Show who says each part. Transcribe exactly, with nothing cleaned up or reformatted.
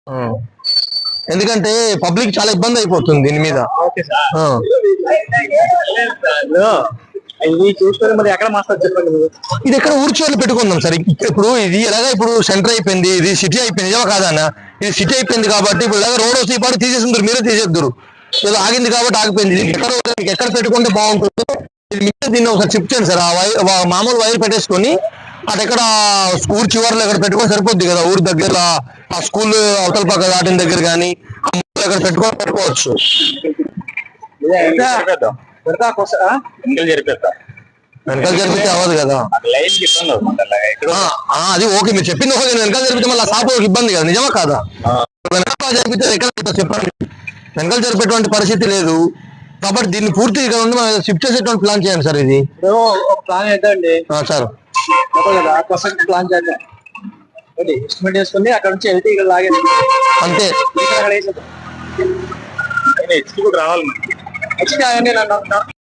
Speaker 1: ఎందుకంటే పబ్లిక్ చాలా ఇబ్బంది అయిపోతుంది దీని మీద.
Speaker 2: ఇది చూసుకొని మరి ఎక్కడ మాస్టర్ చెప్పండి.
Speaker 1: ఇది ఎక్కడ ఊర్చివర్లో పెట్టుకుందాం సార్. ఇప్పుడు ఇది ఎలాగా ఇప్పుడు సెంటర్ అయిపోయింది, ఇది సిటీ అయిపోయింది, నిజమా కాదన్న? ఇది సిటీ అయిపోయింది కాబట్టి ఇప్పుడు ఇలాగ రోడ్ వస్తే పాటు తీసేసిందరు, మీరే తీసేద్దరు. ఏదో ఆగింది కాబట్టి ఆగిపోయింది. ఎక్కడ మీకు ఎక్కడ పెట్టుకుంటే బాగుంటుందో మీరే దీన్ని ఒకసారి షిఫ్ట్ చేయండి సార్. ఆ వైర్ మామూలు వైర్ పెట్టేసుకొని అటు ఎక్కడ ఊరు చివరిలో ఎక్కడ పెట్టుకొని సరిపోద్ది కదా. ఊరు దగ్గర ఆ స్కూల్ అవతల పక్క దాటిన దగ్గర కానీ ఎక్కడ పెట్టుకొని పెట్టుకోవచ్చు. వెనకాల జరిపితే అవ్వదు కదా. అది ఓకే, మీరు చెప్పింది ఓకే. వెనకాల జరిపితే మళ్ళీ షాప్ ఇబ్బంది కదా, నిజమా కాదా? వెనకాల జరిపితే ఎక్కడ చెప్పండి. వెనకాల జరిపేటువంటి పరిస్థితి లేదు కాబట్టి దీన్ని పూర్తి ఇక్కడ ఉండి మనం షిఫ్ట్ చేసేటువంటి ప్లాన్ చేయండి సార్. ఇది
Speaker 2: ప్లాన్ చేద్దాండి సార్. ప్లాన్ చేద్దాం, ఎస్టిమేట్ చేసుకుని అక్కడ నుంచి వెళ్తే ఇక్కడ లాగేది
Speaker 1: అంతే.
Speaker 2: రావాలి.